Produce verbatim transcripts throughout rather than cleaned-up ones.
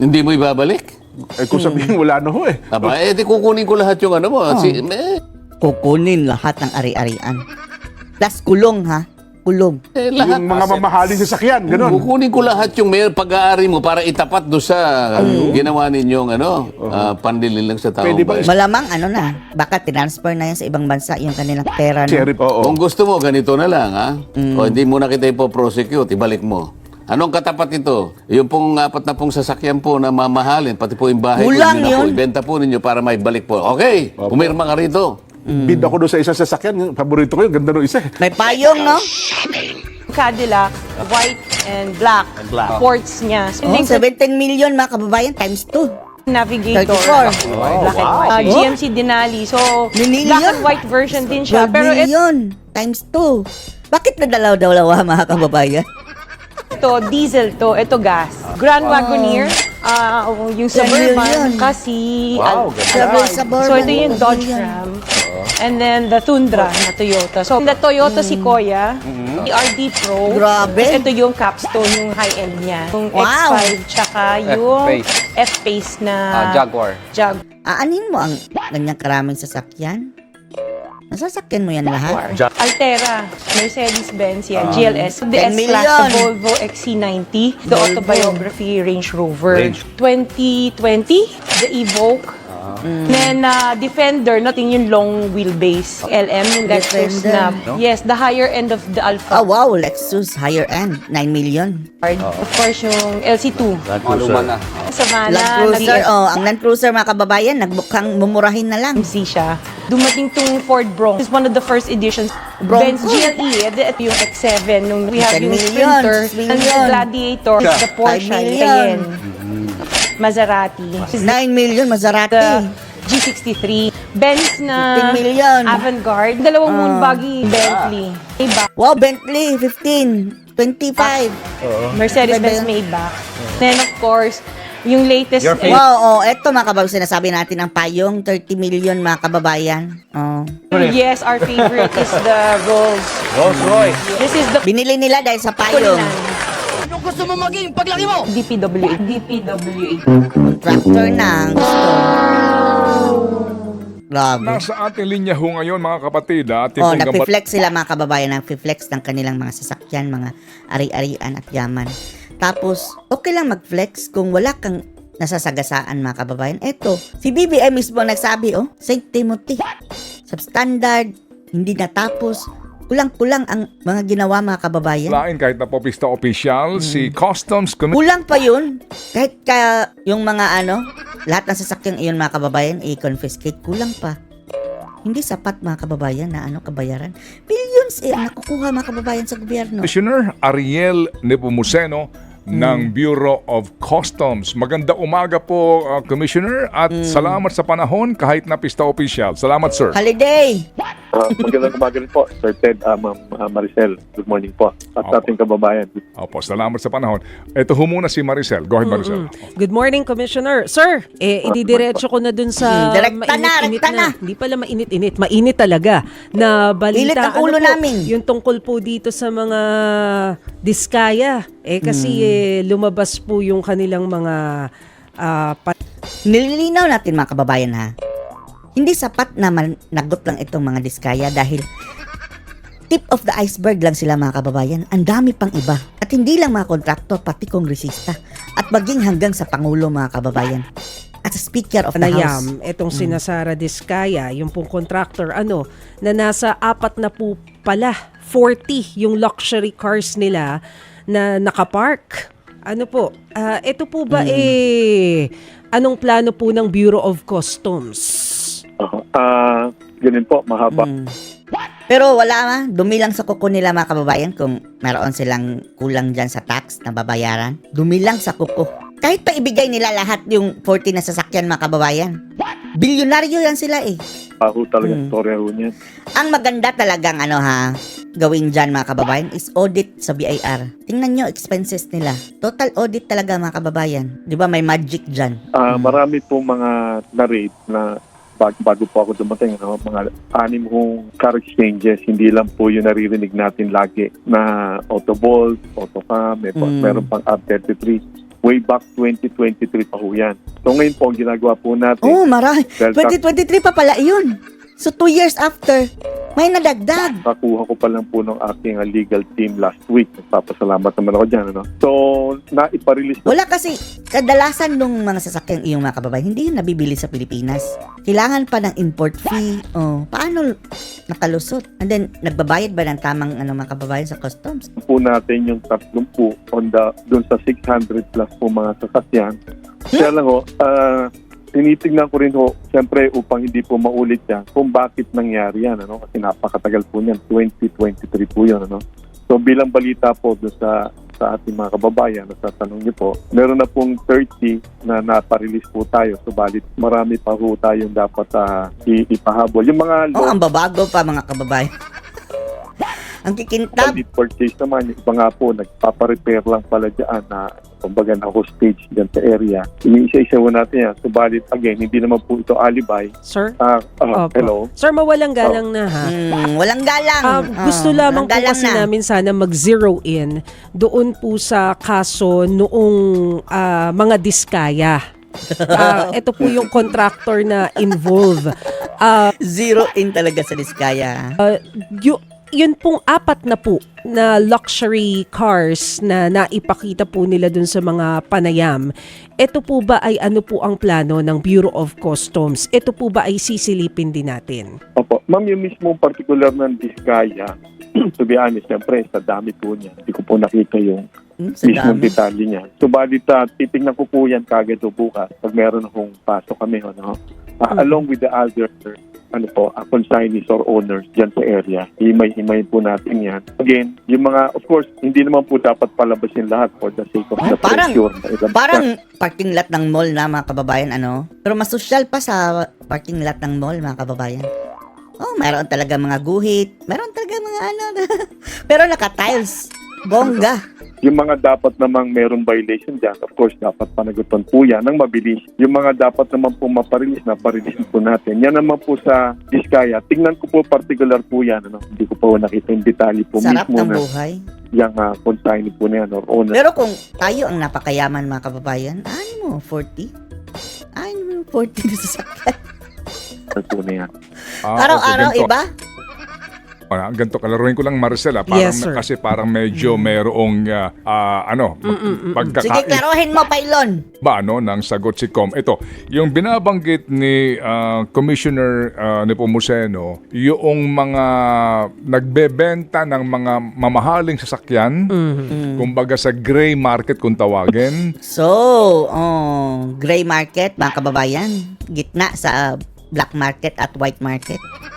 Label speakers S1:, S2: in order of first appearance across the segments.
S1: Hindi mo ibabalik?
S2: Eh kung sabihin wala na ho eh.
S1: Aba, eh di kukunin ko lahat yung ano mo.
S3: Oh.
S1: Si, eh,
S3: Kukunin lahat ng ari-arian. Plus kulong ha. Kulong.
S1: eh, lahat.
S2: Yung mga mamahaling sasakyan, ganun.
S1: Kukunin ko lahat yung may pag-aari mo para itapat do sa ginawa ninyong ano, ah, pandilil lang sa tao.
S2: Pwede ba is-
S3: Malamang ano na, baka transfer na yan sa ibang bansa yung kanilang pera. No?
S2: Sheriff, oo.
S1: Kung gusto mo, ganito na lang, ha? O hindi mo na kita ipoprosecute, ibalik mo. Anong katapat ito? Yung pong apat na pong sasakyan po na mamahalin, pati po yung bahay
S3: Kulang
S1: ko, yun na po,
S3: yun.
S1: ibenta po ninyo para may balik po. Okay, pumirma ka rito.
S2: Bid ako doon sa isang sasakyan. Yung paborito ko yun. Ganda nung isa. eh.
S3: May payong, no?
S4: Cadillac, white and black,
S1: black.
S4: ports niya. So,
S3: Oh,
S4: yung
S3: seventeen million mga kababayan times two.
S4: Navigator,
S3: thirty-four.
S4: black and white. Uh, G M C Denali. So,
S3: Million?
S4: black and white version din siya.
S3: twelve
S4: Pero ito,
S3: million times two. Bakit nadalaw-dalawa mga kababayan?
S4: diesel to. Ito gas. Grand Wagoneer, ah, yung
S3: ten million.
S4: Suburban, kasi...
S1: Wow,
S4: Al-
S1: ganda.
S3: Travel Suburban.
S4: So, ito yung
S3: twelve
S4: Dodge
S3: million.
S4: Ram. And then, the Tundra na Toyota. So, the Toyota Sequoia, the R D Pro.
S3: Grabe.
S4: Tapos ito yung capstone, yung high-end niya. Yung
S3: Wow.
S4: X five, tsaka yung
S5: F-Pace.
S4: F-Pace na...
S5: Ah, Jaguar.
S4: Jag-
S3: Aanin mo ang ganyang karaming sasakyan? Nasasakyan mo yan lahat?
S4: Altera, Mercedes-Benz, yan, G L S. The
S3: ten
S4: S-Class,
S3: million.
S4: the Volvo X C ninety, the
S3: Volvo.
S4: Autobiography Range Rover.
S1: Range.
S4: twenty twenty, the Evoque. Then, uh, Defender, natin yung long wheelbase. L M, yung Lexus
S3: Defender.
S4: na, yes, the higher end of the Alpha.
S3: Oh wow, Lexus higher end, nine million.
S4: Of course, yung L C two.
S5: Maluma na.
S4: Savannah,
S3: Land Cruiser,
S4: nag-
S3: oh, ang Land Cruiser mga kababayan, nagbukang mumurahin na lang.
S4: M C siya. Dumating tong Ford Bronco. It's one of the first editions.
S3: Bronco.
S4: Benz G L E, ito yung X seven. Nung we have
S3: ten
S4: yung
S3: million,
S4: Sprinter,
S3: six
S4: and the
S3: million.
S4: Gladiator, the Porsche,
S3: five million.
S4: Cayenne, Maserati,
S3: nine million
S4: the
S3: Maserati.
S4: G sixty-three, Benz na
S3: fifteen million.
S4: Avant-Garde, dalawang Moonbuggy, Bentley, Maybach,
S3: Wow, Bentley, fifteen, twenty-five.
S4: Mercedes-Benz Maybach. Then of course, yung latest
S5: Your
S4: eh,
S3: Wow, oh, eto mga kababayan, sinasabi natin ang payong, thirty million mga kababayan. Oh.
S4: yes, our favorite is the Rolls.
S5: Rolls Royce.
S4: This is the
S3: Binili nila dahil sa payong.
S4: Anong gusto mo maging paglaki mo? D P W A. D P W A.
S3: Tractor na ang gusto. Grabe.
S6: Nasa ating linya ho ngayon mga kapatid, ah, ating
S3: Oh,
S6: pong gambat-
S3: nagpi-flex sila mga kababayan, nagpi-flex ng kanilang mga sasakyan, mga ari-arian at yaman. Tapos, okay lang mag-flex kung wala kang nasasagasaan mga kababayan. Eto, si B B M mismo nagsabi, oh, Saint Timothy, substandard, hindi natapos, kulang-kulang ang mga ginawa mga kababayan.
S6: lain kahit na po pista official, si Customs Commission
S3: Kulang pa yun. Kahit ka yung mga ano, lahat ng sasakyang iyon mga kababayan, i-confiscate, kulang pa. Hindi sapat mga kababayan na ano kabayaran. Billions eh ang nakukuha mga kababayan sa gobyerno.
S6: Commissioner Ariel Nepomuceno ng Bureau of Customs. Maganda umaga po, uh, Commissioner, at salamat sa panahon kahit na pista official. Salamat, sir.
S3: Holiday!
S7: Uh, magandang umaga rin po, Sir Ted, uh, Ma'am uh, Maricel. Good morning po. At
S6: Opo.
S7: sa ating kababayan.
S6: Opo, salamat sa panahon. Ito ho muna si Maricel. Go ahead, Maricel.
S8: Good morning, Commissioner. Sir, eh, ididiretso ko na dun sa
S3: Hmm, direkta na,
S8: mainit-init
S3: rekta na.
S8: Hindi pala mainit-init, mainit talaga na balita.
S3: Init ang ulo
S8: po,
S3: namin.
S8: Yung tungkol po dito sa mga diskaya. Eh, kasi
S3: Hmm.
S8: eh, lumabas po yung kanilang mga ah, pa-
S3: Nililinaw natin mga kababayan ha. Hindi sapat na managot lang itong mga diskaya dahil tip of the iceberg lang sila mga kababayan. Ang dami pang iba. At hindi lang mga kontraktor, pati kongresista. At maging hanggang sa Pangulo mga kababayan. At sa Speaker of the House.
S8: panayam, etong sina Sara Diskaya, yung pong contractor, ano, na nasa apat na po pala, forty yung luxury cars nila na nakapark. Ano po, ah, ito po ba eh, anong plano po ng Bureau of Customs?
S7: Uh, uh, ganun po, mahaba.
S3: Mm. Pero wala ma, dumi lang sa kuko nila mga kababayan kung meron silang kulang dyan sa tax na babayaran. Dumi lang sa kuko. Kahit pa ibigay nila lahat yung forty na sasakyan mga kababayan. Bilyonaryo yan sila eh.
S7: Paho talaga
S3: Mm.
S7: storya ho niya.
S3: Ang maganda talagang ano ha, gawin dyan mga kababayan is audit sa B I R. Tingnan nyo expenses nila. Total audit talaga mga kababayan. Di ba may magic dyan?
S7: Uh, Marami po mga na-rate na bag, bago po ako dumating, no? Mga anim hong car exchanges, hindi lang po yung naririnig natin lagi na Autobolt, Autocam, may po,
S3: Mm.
S7: meron pang R thirty-three. Way back twenty twenty-three pa ho yan. So ngayon po, ang ginagawa po natin,
S3: Oh, marami.
S7: Dahil
S3: twenty twenty-three pa pala yun. So, two years after, may nadagdag.
S7: kakuha ko pa lang po ng aking uh, legal team last week. Nagpapasalamat naman ako dyan. Ano? So, naiparelease na
S3: Wala kasi, kadalasan nung mga sasakyang iyong mga kababayan, hindi yun nabibili sa Pilipinas. Kailangan pa ng import fee. Oh, paano nakalusot? And then, nagbabayad ba ng tamang ano, mga kababayan sa customs?
S7: po natin yung tatlong po on the, dun sa six hundred plus po mga sasakyan. Kaya lang ho, uh, tinitignan ko rin ho, siyempre upang hindi po maulit yan, kung bakit nangyari yan, ano? Kasi napakatagal po niyan, twenty twenty-three po yun, ano? So bilang balita po doon sa, sa ating mga kababayan, sa tanong niyo po, meron na pong thirty na naparelease po tayo, subalit marami pa ho tayong dapat uh, ipahabol. Yung mga
S3: Oh,
S7: low
S3: ang babago pa mga kababayan. Ang kikintab.
S7: quality purchase naman, yung iba nga po, nagpaparepair lang pala dyan na kumbaga na hostage dyan sa area. Iniisa-isa ho natin yan. Subalit, again, hindi naman po ito alibay.
S8: Sir?
S7: Ah, ah,
S8: Opo.
S7: hello?
S8: Sir, mawalang galang na ha.
S3: Hmm, walang galang.
S8: Ah, gusto
S3: Oh,
S8: lamang
S3: walang
S8: po
S3: galang
S8: kasi
S3: na.
S8: namin sana mag-zero in doon po sa kaso noong ah, mga diskaya. Ah, ito po yung contractor na involved. Ah,
S3: Zero in talaga sa Diskaya.
S8: yu- yun pong apat na po na luxury cars na naipakita po nila dun sa mga panayam. Ito po ba ay ano po ang plano ng Bureau of Customs? Ito po ba ay sisilipin din natin?
S7: Opo. Ma'am, yung mismo particular ng Diskaya, to be honest, siyempre, sa dami po niya. Hindi ko po nakita yung
S3: Hmm, sa
S7: mismong
S3: dami.
S7: detalye niya. Subalit, uh, titignan ko po yan kagad o bukas pag meron akong pasok kami. Ano? Uh, along with the other ano po, uh, consignees or owners dyan sa area. Himay-himay po natin yan. Again, yung mga, of course, hindi naman po dapat palabasin lahat for the sake of the
S3: Parang,
S7: pressure. na ilang-
S3: parang parking lot ng mall na mga kababayan, ano? Pero mas social pa sa parking lot ng mall, mga kababayan. Oh, mayroon talaga mga guhit. Mayroon talaga mga ano. Pero naka-tiles. Bongga.
S7: Yung mga dapat namang merong violation dyan, of course, dapat panagutan po yan ng mabilis. Yung mga dapat naman po maparilis na parilis po natin. Yan naman po sa Diskaya. Tingnan ko po particular po yan. Ano? Hindi ko po nakita yung detalye po
S3: Sarap
S7: mismo
S3: ng
S7: na
S3: buhay.
S7: yung uh, consignee po na yan or owner.
S3: Pero kung tayo ang napakayaman, mga kababayan, ano mo, forty? Ano mo, forty na sasakyan?
S7: po na yan.
S6: Ah,
S3: Araw-araw,
S6: okay, ganito.
S3: iba?
S6: Ah, ganito, kalaruin ko lang Marcela, parang,
S8: Yes, sir.
S6: kasi parang medyo mayroong ah, ah, ano,
S3: Sige,
S6: pagkaka
S3: klaruhin mo, Pailon.
S6: ba no, ng sagot si Com. Ito, yung binabanggit ni ah, Commissioner ah, Nepomuceno, yung mga nagbebenta ng mga mamahaling sasakyan, kumbaga sa gray market kung tawagin,
S3: So, oh, gray market, mga kababayan. Gitna sa black market at white market.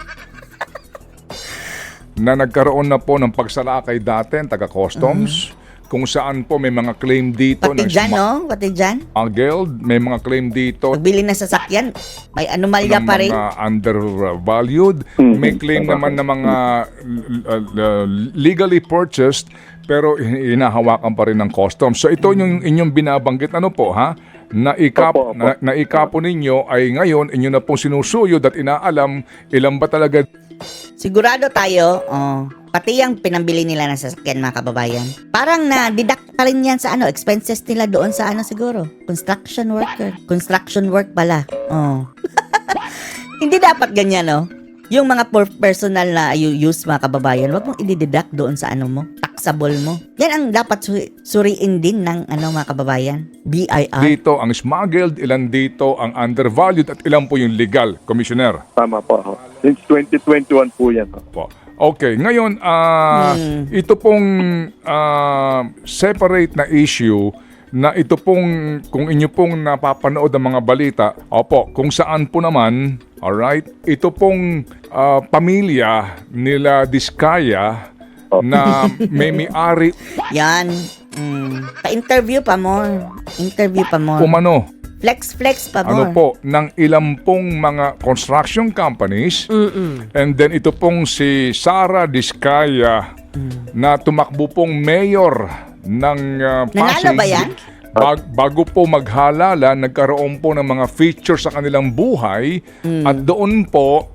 S6: na nagkaroon na po ng pagsalakay dati ang taga-customs, kung saan po may mga claim dito
S3: Pati
S6: ng
S3: dyan, no? Pati dyan.
S6: smuggled, may mga claim dito
S3: Pagbili ng sasakyan, may anomalya
S6: ng
S3: pa rin.
S6: mga undervalued.
S7: Mhm.
S6: May claim naman ng mga uh, uh, legally purchased pero hinahawakan pa rin ng customs. So ito yung inyong binabanggit ano po ha? Naikap,
S7: Opo, opo.
S6: na, naikapo ninyo ay ngayon inyo na pong sinusuyod at inaalam ilan ba talaga
S3: Sigurado tayo, oh, pati yung pinambili nila ng sasakyan, mga kababayan. Parang na-deduct pa rin yan sa ano, expenses nila doon sa ano siguro. Construction worker. Construction work pala. Oh. Hindi dapat ganyan, no? Yung mga per- personal na you use, mga kababayan, wag mong i-deduct doon sa ano mo, taxable mo. Yan ang dapat su- suriin din ng ano, mga kababayan. B I R.
S6: dito ang smuggled, ilan dito ang undervalued at ilan po yung legal, Commissioner?
S7: Tama po. ho. Since twenty twenty-one po yan. ho.
S6: Po. Okay, ngayon ah ito pong ah, separate na issue na ito pong kung inyo pong napapanood ang mga balita, opo, kung saan po naman, all right, ito pong ah, pamilya nila Diskaya na may may-ari
S3: Yan. Mm. Pa-interview pa more. Interview pa more.
S6: umano,
S3: Flex, flex pa more.
S6: ano po, ng ilang pong mga construction companies. And then ito pong si Sara Diskaya na tumakbo pong mayor ng uh,
S3: Nanalo ba yan?
S6: Bag- bago po maghalala, nagkaroon po ng mga features sa kanilang buhay at doon po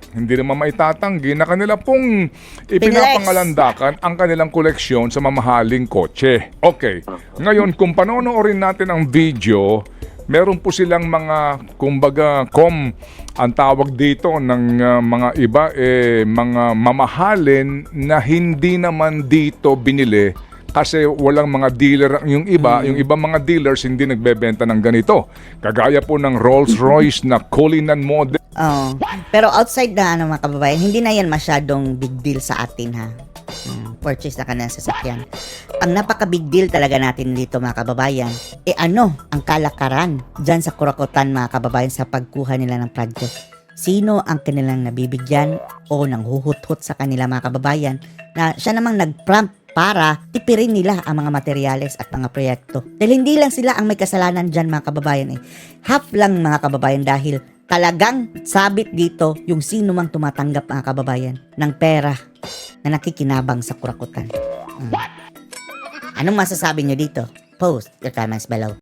S6: hindi naman maitatanggi na kanila pong ipinapangalandakan ang kanilang koleksyon sa mamahaling kotse. Okay, ngayon kung panonoorin natin ang video, meron po silang mga, kumbaga, com, ang tawag dito ng uh, mga iba, eh, mga mamahalin na hindi naman dito binili kasi walang mga dealer. Yung iba, yung ibang mga dealers hindi nagbebenta ng ganito. Kagaya po ng Rolls-Royce na Cullinan model.
S3: Oh. Pero outside na ano mga kababayan, hindi na yan masyadong big deal sa atin ha. Hmm, purchase na ka ng sasakyan. Ang napaka-big deal talaga natin dito mga kababayan, eh ano, ang kalakaran dyan sa kurakutan mga kababayan sa pagkuha nila ng project. Sino ang kanilang nabibigyan o nang huhut-hut sa kanila mga kababayan na siya namang nag-prompt para tipirin nila ang mga materyales at mga proyekto. Dahil hindi lang sila ang may kasalanan dyan mga kababayan eh. Half lang mga kababayan dahil talagang sabit dito yung sino mang tumatanggap mga kababayan ng pera na nakikinabang sa kurakutan. Hmm. Anong masasabi nyo dito? Post your comments below.